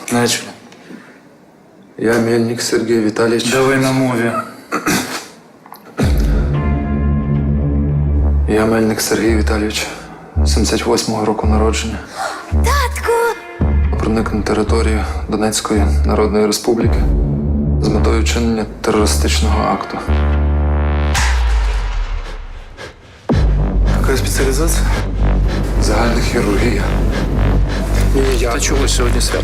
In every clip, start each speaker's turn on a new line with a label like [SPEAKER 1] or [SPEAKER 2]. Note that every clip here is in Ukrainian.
[SPEAKER 1] Начали.
[SPEAKER 2] Я Мельник Сергій Віталійович.
[SPEAKER 1] Давай на мові.
[SPEAKER 2] Я Мельник Сергій Віталійович, 78-го року народження.
[SPEAKER 3] Татку!
[SPEAKER 2] Проник на територію Донецької Народної Республіки з метою вчинення терористичного акту.
[SPEAKER 1] Яка спеціалізація?
[SPEAKER 2] Загальна хірургія.
[SPEAKER 1] Та чого сьогодні свято?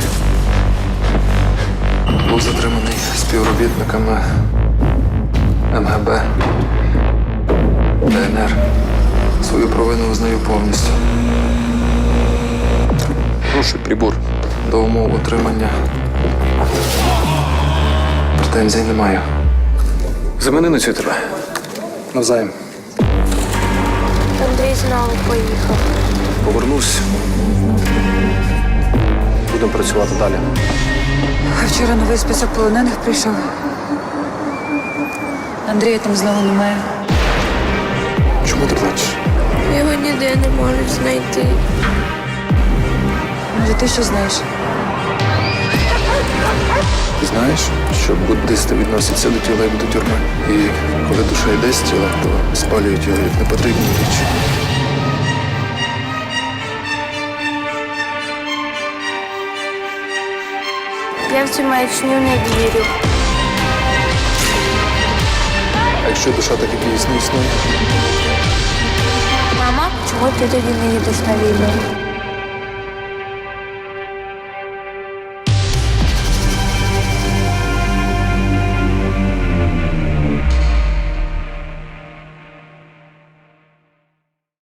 [SPEAKER 2] Був затриманий співробітниками МГБ, ДНР. Свою провину визнаю повністю.
[SPEAKER 1] Прошу прибор.
[SPEAKER 2] До умов отримання претензій не маю.
[SPEAKER 1] Замени на цю тебе. Навзаєм.
[SPEAKER 3] Андрій знову поїхав.
[SPEAKER 1] Повернусь. Будемо працювати далі.
[SPEAKER 4] А вчора новий список полонених прийшов. Андрія там знову немає.
[SPEAKER 1] Чому ти плачеш?
[SPEAKER 3] Його ніде не можуть знайти.
[SPEAKER 4] Може, ти що знаєш?
[SPEAKER 2] Ти знаєш, що буддисти відносяться до тіла як до тюрми. І коли душа йде з тіла, то спалюють його як непотрібні речі.
[SPEAKER 3] Я в цю маячню не вірю.
[SPEAKER 2] А якщо душа так і дійсно існує?
[SPEAKER 3] Мама, чого ти тоді не їдеш на війну?